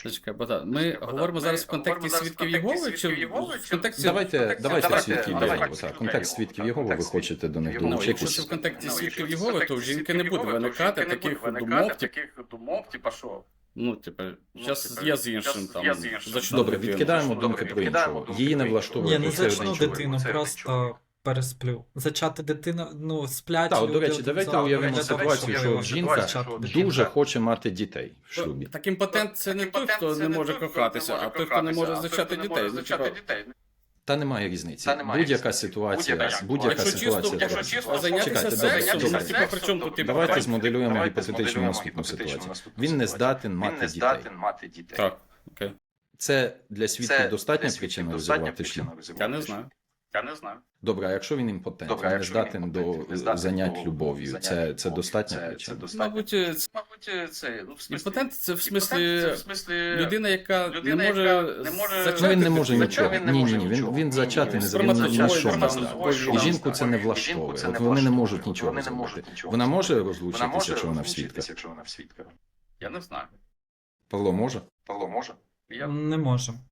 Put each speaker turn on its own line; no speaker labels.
Зачекай, Богдан, ми говоримо зараз в контексті свідків Єгови, чи в контексті...
Давайте свідків Єгови. Так, контекст свідків Єгови, ви хочете до них
Ну, якщо
долучитися.
це в контексті свідків Єгови, то в жінки не буде виникати таких думок,
типа що?
ну, типу, зараз я з іншим там зачну
Добре,
дитину.
відкидаємо думки про іншого. Її не влаштовує.
Ні, не
що це
зачну
один чоловік.
дитину, просто пересплю. Зачати дитину, ну, сплять.
Так, до речі,
люди
давайте
зараз.
уявимо
Давайте
ситуацію, що
уявимо
жінка
ситуацію, що
дуже хоче мати дітей в шлюбі.
Так імпотент це не той, хто не може кохатися, а той, хто не може зачати дітей. Ну, типу,
Та немає різниці. Будь-яка ситуація, будь-яка
якщо чисто,
ситуація.
зайнятися
Чекайте,
сексом,
добре.
ну, типу, при чому тут типу?
Давайте змоделюємо гіпотетичну наступну ситуацію. Він не здатен мати дітей.
Так, окей.
Це для свідків достатня причина розірвати шлюб?
Я не знаю.
Добре, а якщо він імпотент, він не здатен до занять любов'ю, це достатня причина?
Мабуть, імпотент це в смислі людина, яка не може зачати.
Ну він не може
дитину.
нічого. Ні. Він зачати не він ні на що не здатний. І жінку це не влаштовує. От вони не можуть нічого зробити. Вона може розлучитися, якщо вона в свідка?
Я не знаю.
Павло може?
Я
Не можу.